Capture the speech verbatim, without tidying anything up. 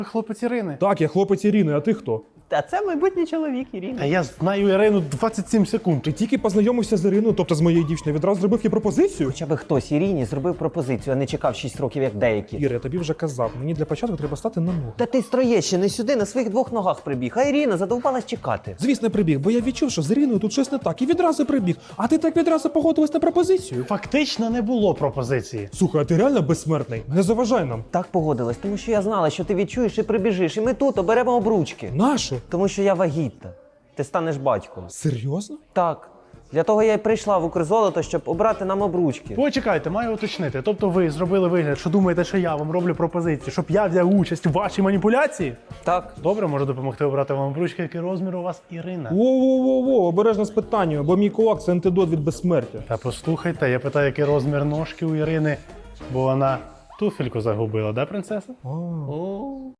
Хлопець Ірини. Так, я хлопець Ірини, а ти хто? Та це майбутній чоловік Ірини. А я знаю Ірину двадцять сім секунд. Ти тільки познайомився з Іриною, тобто з моєю дівчиною, відразу зробив їй пропозицію? Хоча би хтось Ірині зробив пропозицію, а не чекав шість років, як деякі. Іра, я тобі вже казав, мені для початку треба стати на ноги. Та ти строє ще не сюди, на своїх двох ногах прибіг, а Ірина задовбалась чекати. Звісно, прибіг, бо я відчув, що з Іриною тут щось не так, і відразу прибіг. А ти так відразу погодилась на пропозицію? Фактично не було пропозиції. Слухай, а ти реально безсмертний? Не заважай нам. Так погодилась, тому що я знала, що ти відчуєш і прибіжиш, і ми тут оберемо обручки. Нашу? Тому що я вагітна. Ти станеш батьком. Серйозно? Так. Для того я й прийшла в Укрзолото, щоб обрати нам обручки. Почекайте, маю уточнити. Тобто ви зробили вигляд, що думаєте, що я вам роблю пропозицію, щоб я взяв участь у вашій маніпуляції? Так. Добре, можу допомогти обрати вам обручки, який розмір у вас Ірина. Воу-воу-воу, обережно з питанням, бо мій кулак – це антидот від безсмертя. Та послухайте, я питаю, який розмір ножки у Ірини, бо вона туфельку загубила, да, принцеса? А.